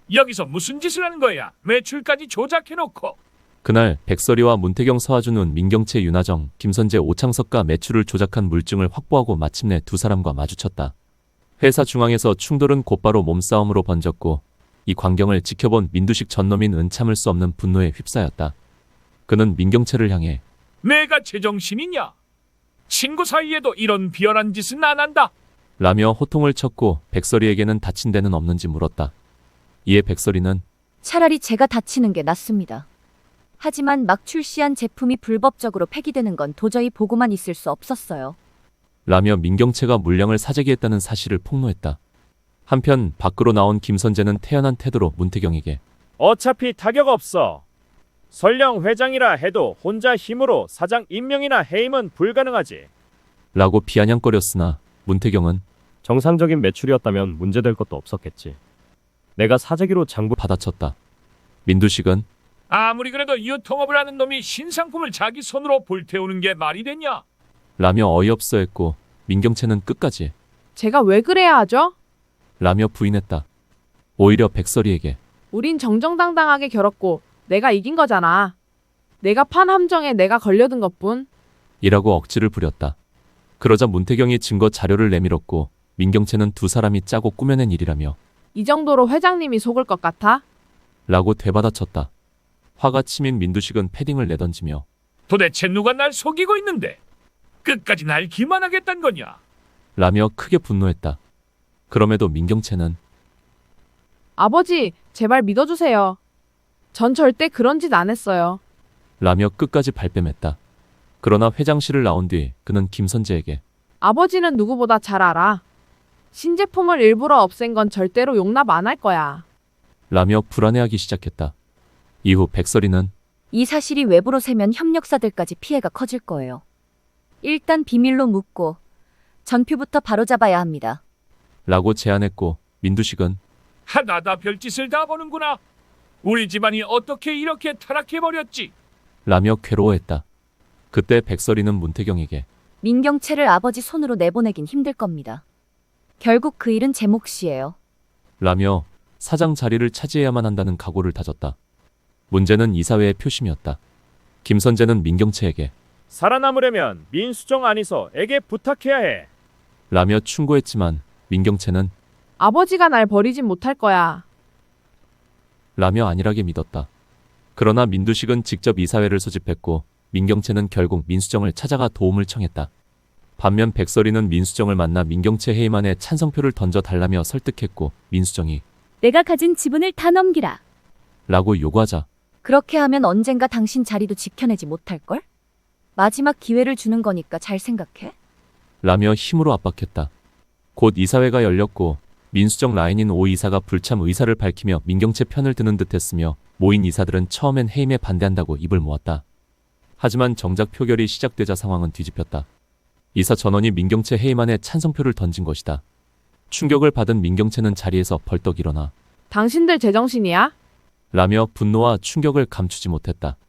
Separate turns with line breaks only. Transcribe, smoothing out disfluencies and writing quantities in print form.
여기서 무슨 짓을 하는 거야? 매출까지 조작해놓고.
그날 백설이와 문태경, 서하준은 민경채, 윤하정, 김선재, 오창석과 매출을 조작한 물증을 확보하고 마침내 두 사람과 마주쳤다. 회사 중앙에서 충돌은 곧바로 몸싸움으로 번졌고 이 광경을 지켜본 민두식 전놈인 참을 수 없는 분노에 휩싸였다. 그는 민경채를 향해
내가 제정신이냐? 친구 사이에도 이런 비열한 짓은 안 한다.
라며 호통을 쳤고 백설이에게는 다친 데는 없는지 물었다. 이에 백설이는
차라리 제가 다치는 게 낫습니다. 하지만 막 출시한 제품이 불법적으로 폐기되는 건 도저히 보고만 있을 수 없었어요.
라며 민경채가 물량을 사재기했다는 사실을 폭로했다. 한편 밖으로 나온 김선재는 태연한 태도로 문태경에게
어차피 타격 없어. 설령 회장이라 해도 혼자 힘으로 사장 임명이나 해임은 불가능하지.
라고 비아냥거렸으나 문태경은
정상적인 매출이었다면 문제될 것도 없었겠지. 내가 사재기로 장부
받아쳤다. 민두식은
아무리 그래도 유통업을 하는 놈이 신상품을 자기 손으로 불태우는 게 말이 되냐?
라며 어이없어했고 민경채는 끝까지
제가 왜 그래야 하죠?
라며 부인했다. 오히려 백설이에게
우린 정정당당하게 겨뤘고 내가 이긴 거잖아. 내가 판 함정에 내가 걸려든 것뿐.
이라고 억지를 부렸다. 그러자 문태경이 증거 자료를 내밀었고 민경채는 두 사람이 짜고 꾸며낸 일이라며
이 정도로 회장님이 속을 것 같아?
라고 되받아쳤다. 화가 치민 민두식은 패딩을 내던지며
도대체 누가 날 속이고 있는데 끝까지 날 기만하겠단 거냐?
라며 크게 분노했다. 그럼에도 민경채는
아버지, 제발 믿어주세요. 전 절대 그런 짓 안 했어요.
라며 끝까지 발뺌했다. 그러나 회장실을 나온 뒤 그는 김선재에게
아버지는 누구보다 잘 알아. 신제품을 일부러 없앤 건 절대로 용납 안 할 거야.
라며 불안해하기 시작했다. 이후 백설이는
이 사실이 외부로 새면 협력사들까지 피해가 커질 거예요. 일단 비밀로 묻고 전표부터 바로잡아야 합니다.
라고 제안했고 민두식은
하나다 별짓을 다 보는구나. 우리 집안이 어떻게 이렇게 타락해버렸지?
라며 괴로워했다. 그때 백설이는 문태경에게
민경채를 아버지 손으로 내보내긴 힘들 겁니다. 결국 그 일은 제 몫이에요.
라며 사장 자리를 차지해야만 한다는 각오를 다졌다. 문제는 이사회의 표심이었다. 김선재는 민경채에게
살아남으려면 민수정 안이서에게 부탁해야 해.
라며 충고했지만 민경채는
아버지가 날 버리진 못할 거야.
라며 안일하게 믿었다. 그러나 민두식은 직접 이사회를 소집했고 민경채는 결국 민수정을 찾아가 도움을 청했다. 반면 백설이는 민수정을 만나 민경채 해임안에 찬성표를 던져달라며 설득했고 민수정이
내가 가진 지분을 다 넘기라.
라고 요구하자
그렇게 하면 언젠가 당신 자리도 지켜내지 못할걸? 마지막 기회를 주는 거니까 잘 생각해.
라며 힘으로 압박했다. 곧 이사회가 열렸고 민수정 라인인 오 이사가 불참 의사를 밝히며 민경채 편을 드는 듯했으며 모인 이사들은 처음엔 해임에 반대한다고 입을 모았다. 하지만 정작 표결이 시작되자 상황은 뒤집혔다. 이사 전원이 민경채 해임안에 찬성표를 던진 것이다. 충격을 받은 민경채는 자리에서 벌떡 일어나
당신들 제정신이야?
라며 분노와 충격을 감추지 못했다.